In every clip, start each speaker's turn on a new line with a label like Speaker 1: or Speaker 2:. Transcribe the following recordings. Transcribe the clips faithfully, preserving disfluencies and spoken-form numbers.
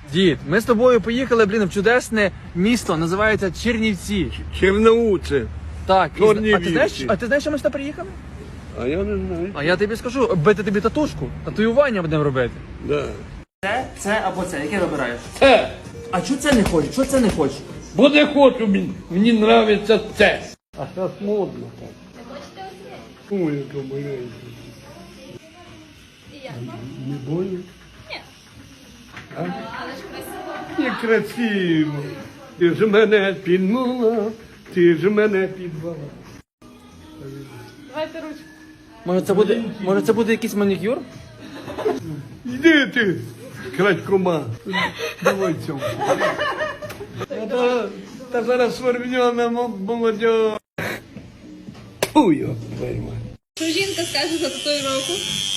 Speaker 1: Дід, ми з тобою поїхали, блін, в чудесне місто, називається Чернівці.
Speaker 2: Черноуце.
Speaker 1: Так, і,
Speaker 2: Чорні
Speaker 1: а ти знаєш,
Speaker 2: вівці.
Speaker 1: а ти знаєш, що ми сюди приїхали?
Speaker 2: А я не знаю.
Speaker 1: А я тобі скажу, бити тобі татушку, татуювання будемо робити.
Speaker 2: Да.
Speaker 1: Це, це або це, яке вибираєш?
Speaker 2: Це.
Speaker 1: А чого це не хочеш? Чого це не хочеш?
Speaker 2: Бо не хочу, мені, мені нравиться це. А зараз модно так. Ой, яка маленька. Не больно? Ні. А? Але ж красиво. Не красиво. Ти ж мене підмала, ти ж мене підвала.
Speaker 3: Давайте ручку.
Speaker 1: Може це буде, може це буде якийсь манікюр?
Speaker 2: Йди ти, крадькома. Давай цьому. Та, та зараз свербньона молодь. Фу, його пойма.
Speaker 3: Що жінка скаже за татуїровку?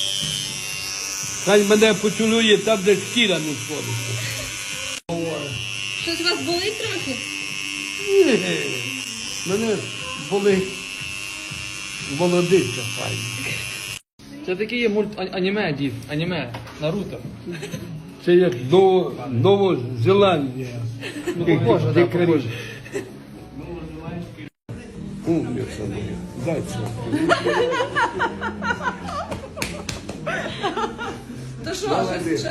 Speaker 2: Хай мене поцілує там, де шкіра не сходиться.
Speaker 3: Щось у вас болить трохи?
Speaker 2: Ні, мене болить молодиця файна.
Speaker 1: Це такий є мульт а- аніме, дід, аніме, Наруто.
Speaker 2: Це як Ново, Новозеландія.
Speaker 1: Ну, похоже, да, похоже.
Speaker 2: Умниця моя. Дай це.
Speaker 3: То що, щось?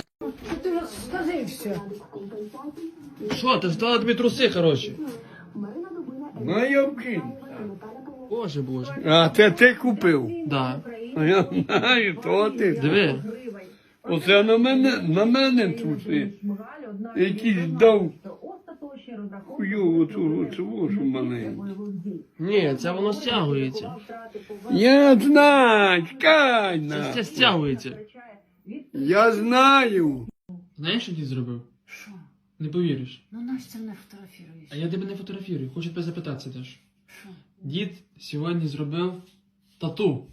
Speaker 1: Що, ти ж дала тобі труси, хороші?
Speaker 2: Майовки.
Speaker 1: Боже, боже.
Speaker 2: А це ти купив?
Speaker 1: Да.
Speaker 2: А я знаю, то ти.
Speaker 1: Диви.
Speaker 2: Оце на мене, на мене труси. Якийсь дав хуйову цю цю маленьку.
Speaker 1: Ні, це воно стягується.
Speaker 2: Я знаю, чекай
Speaker 1: Це,
Speaker 2: на.
Speaker 1: це стягується.
Speaker 2: Я знаю.
Speaker 1: Знаєш, що дід зробив? Не повіриш.
Speaker 4: Ну, Настя не фотографіруєш.
Speaker 1: А я тебе не фотографірую, хочу тебе запитатися теж.
Speaker 4: Що?
Speaker 1: Дід сьогодні зробив тату.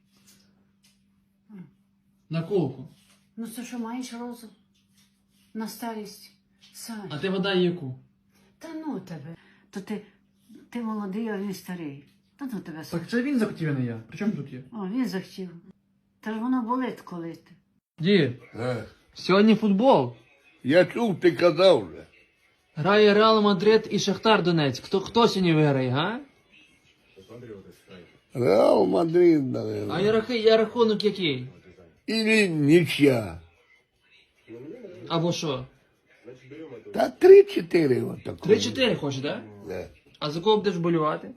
Speaker 1: На колку.
Speaker 4: Ну, це що, маєш розум? На старість? Сань.
Speaker 1: А ти вода яку?
Speaker 4: Та ну тебе. То ти, ти молодий, а він старий. Та ну тебе, Сань.
Speaker 1: Так це він захотів, а не я. При чому тут є?
Speaker 4: О, він захотів. Та ж воно болить коли ти.
Speaker 1: Дід, сьогодні футбол.
Speaker 2: Я чув, ти казав вже.
Speaker 1: Грає Реал Мадрид і Шахтар Донецьк. Хто, хто сьогодні виграє, га?
Speaker 2: Реал Мадрид,
Speaker 1: А
Speaker 2: наверное.
Speaker 1: я, рахи- я рахунок який?
Speaker 2: Или нічия.
Speaker 1: Або що?
Speaker 2: Та три-чотири отако.
Speaker 1: три-чотири хочеш, так? Да?
Speaker 2: Да.
Speaker 1: А за кого будеш болювати?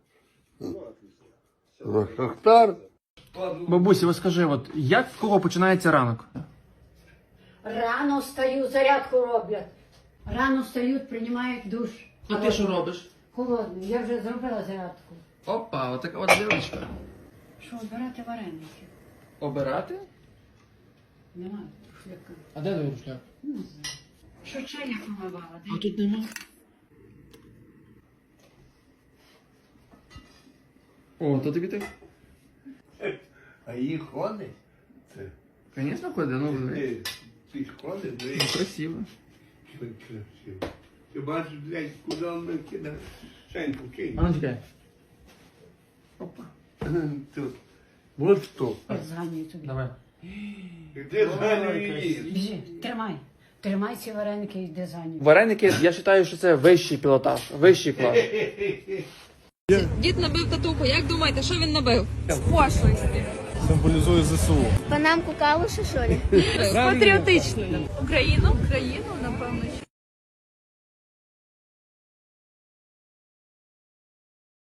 Speaker 2: За Шахтар.
Speaker 1: Бабусі, ось скажи, от як в кого починається ранок?
Speaker 4: Рано встаю, зарядку роблять. Рано встають, приймають душ.
Speaker 1: А ти що робиш?
Speaker 4: Холодний. Я вже зробила зарядку.
Speaker 1: Опа, отака от дівчинка.
Speaker 4: Що, обирати вареники?
Speaker 1: Обирати?
Speaker 4: Немає шляка.
Speaker 1: А де твій рушляк?
Speaker 4: Не знаю. Що чайник помивала?
Speaker 1: А тут нема. О, то тобі так?
Speaker 2: А їх ходить? Це.
Speaker 1: Звісно, ходи, ну
Speaker 2: Ти, ти ж ходиш,
Speaker 1: ну, красиво.
Speaker 2: Що красиво. Ти бачиш, блядь, куди він кидає? Шеньку кинь.
Speaker 1: А ну чекай. Опа.
Speaker 2: Тут. Вот що.
Speaker 4: Я зганюю тобі.
Speaker 1: Давай.
Speaker 2: Де зганює її?
Speaker 4: Біжи, тримай. Тримай ці вареники і йди за ним.
Speaker 1: Вареники, я вважаю, що це вищий пілотаж, вищий клас.
Speaker 3: Дід набив татуху. Як думаєте, що він набив? З пошлості.
Speaker 5: Символізує ЗСУ.
Speaker 6: Панамку калуші, що ли?
Speaker 3: З патріотичною. Україну? Україну, напевно,